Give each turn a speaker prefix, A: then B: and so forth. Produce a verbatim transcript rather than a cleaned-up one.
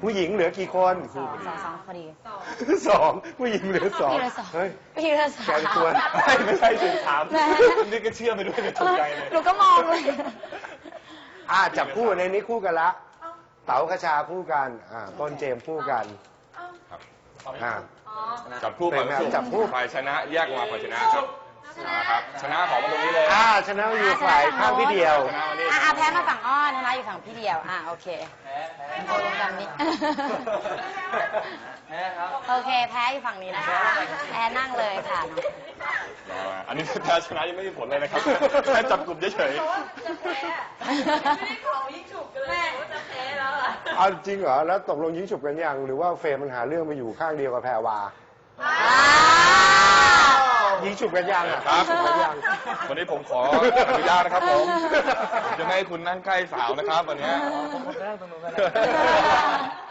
A: ผู้หญิงเหลือกี่คน
B: สองสองสองพอดี
A: สองผู้หญิงเหลือสอง
B: พี่เหลือสอง
A: เฮ้ย
B: พี่เหลือสอง
A: แกนควรไม่ใช่สิถาม
B: แม่
A: นี่ก็เชื่อไปด้วยเลยถูกใจเลย
B: หนูก็มองเลย
A: อ่าจับคู่ในนี้คู่กันละเต๋ากระชาคู่กันอ่าต้นเจมส์คู่กัน
C: ครับ
A: อ่า
C: จับคู่
A: เป็นไงจับคู่
C: ฝ่ายชนะแยกออกมาฝ่ายชนะครับนะครับชนะของมาตรงนี้เลย
A: อ่าชนะอยู่ฝ่ายข้างพี่เดียว
C: ชนะวันนี้
B: อ่าแพ้มาฝั่งอ้อนชนะอยู่ฝั่งพี่เดียวอ่าโอเคโอ้ลงดำนี้โอเคแพ้อยู่ฝั่งนี้นะคะแพ้นั่งเลยค่ะ
C: อันนี้แพ้ชนะยังไม่มีผลเลยนะครับแค่จับกลุ่มเฉย
D: ไม่ได้ของยิ่งฉุกกันเลยว่าจะแพ้แล้วอ่ะ
A: เอาจริงเหรอแล้วตกลงยิงฉุบกันยังหรือว่าเฟรมมันหาเรื่องไปอยู่ข้างเดียวกับแพรวายิงฉุบกันยังอ่ะ
C: ๆครับ
A: ฉุบกันยัง
C: วันนี้ผมขออนุญาตนะครับผมจะไม่ให้คุณนั่งใกล้สาวนะครับวันนี้